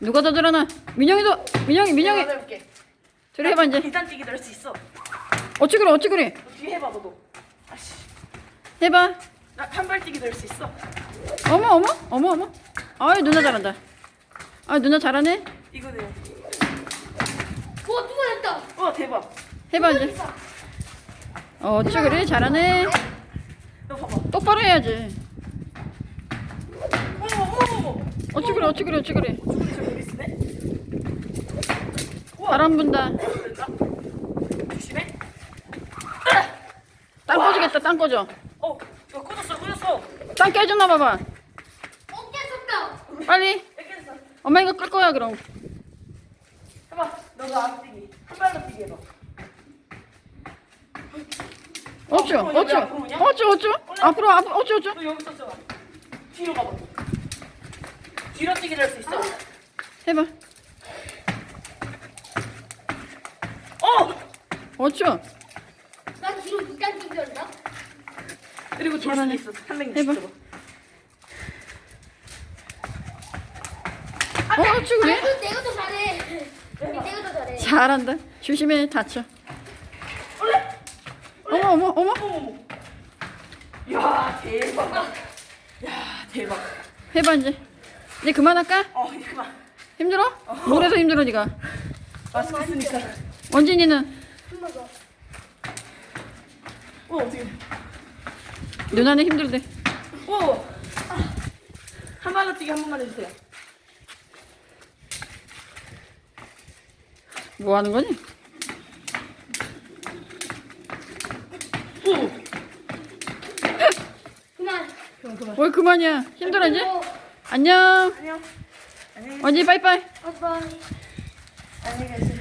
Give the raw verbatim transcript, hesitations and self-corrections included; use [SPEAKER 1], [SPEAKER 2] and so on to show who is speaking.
[SPEAKER 1] 누가 더 잘하나? 민영이도. 민영이 민영이.
[SPEAKER 2] 내가 해볼게.
[SPEAKER 1] 저리 해봐 이제.
[SPEAKER 2] 계단뛰기 될 수 있어.
[SPEAKER 1] 어찌 그래 어찌 그래.
[SPEAKER 2] 너 뒤에 해봐 너도. 아씨.
[SPEAKER 1] 해봐.
[SPEAKER 2] 나 한발뛰기 될 수 있어.
[SPEAKER 1] 어머 어머 어머 어머. 아이 누나 잘한다. 아 누나 잘하네.
[SPEAKER 2] 이거네요.
[SPEAKER 3] 와 누가 했다.
[SPEAKER 2] 와 대박.
[SPEAKER 1] 해봐 이제. 어, 어찌 그래 잘하네.
[SPEAKER 2] 너 봐봐.
[SPEAKER 1] 똑바로 해야지.
[SPEAKER 2] 어머 어머 어머.
[SPEAKER 1] 어찌 그래 어찌 그래 어찌 그래.
[SPEAKER 2] 저기 저기 여기 있네. 우와.
[SPEAKER 1] 바람 분다.
[SPEAKER 2] 된다. 조심해.
[SPEAKER 1] 땅 꺼지겠다 땅 꺼져.
[SPEAKER 2] 어, 이거 꺼졌어 꺼졌어.
[SPEAKER 1] 땅 깨졌나 봐봐.
[SPEAKER 3] 어깨 섰다.
[SPEAKER 1] 빨리.
[SPEAKER 2] 뺏겼어.
[SPEAKER 1] 엄마 이거 끌 거야 그럼.
[SPEAKER 2] 해봐. 너도 앞뛰기. 한 발로 뛰기 해봐.
[SPEAKER 1] 어쭈
[SPEAKER 2] 앞으로 오냐?
[SPEAKER 1] 어쭈
[SPEAKER 2] 앞으로 오냐?
[SPEAKER 1] 어쭈 어쭈 앞으로 앞으로 어쭈 어쭈.
[SPEAKER 2] 너 여기 있었잖아. 뒤로 가봐. 뒤로 뛰기 될 수 있어.
[SPEAKER 1] 해봐.
[SPEAKER 2] 어!
[SPEAKER 1] 어쭈.
[SPEAKER 3] 나 뒤로 이단 뛰기한다.
[SPEAKER 2] 그리고 돌
[SPEAKER 1] 잘하네.
[SPEAKER 2] 수도 있어. 삼백육십
[SPEAKER 1] 해봐.
[SPEAKER 2] 도.
[SPEAKER 1] 어 어쭈 그래.
[SPEAKER 3] 아이고 내가 더 잘해. 내가 더 잘해.
[SPEAKER 1] 잘한다. 조심해 다쳐.
[SPEAKER 2] 올래?
[SPEAKER 1] 어머 어머 어머.
[SPEAKER 2] 어머머. 야 대박. 야 대박.
[SPEAKER 1] 해봐 이제. 이제 그만할까?
[SPEAKER 2] 어 이거 봐.
[SPEAKER 1] 힘들어? 뭘해서 힘들어 니가?
[SPEAKER 2] 마스크 쓰니까.
[SPEAKER 1] 원진이는
[SPEAKER 3] 한 번 더.
[SPEAKER 2] 어 어떻게?
[SPEAKER 1] 누나는 힘들대.
[SPEAKER 2] 오. 한 발로 뛰기 한 번만 해주세요.
[SPEAKER 1] 뭐 하는 거니?
[SPEAKER 2] 오.
[SPEAKER 3] 그만.
[SPEAKER 2] 그럼 그만.
[SPEAKER 1] 뭘 그만이야. 힘들어 이제?
[SPEAKER 3] 어,
[SPEAKER 1] 안녕.
[SPEAKER 2] 안녕. 안녕.
[SPEAKER 1] 원진이 빠이빠이.
[SPEAKER 3] 아빠.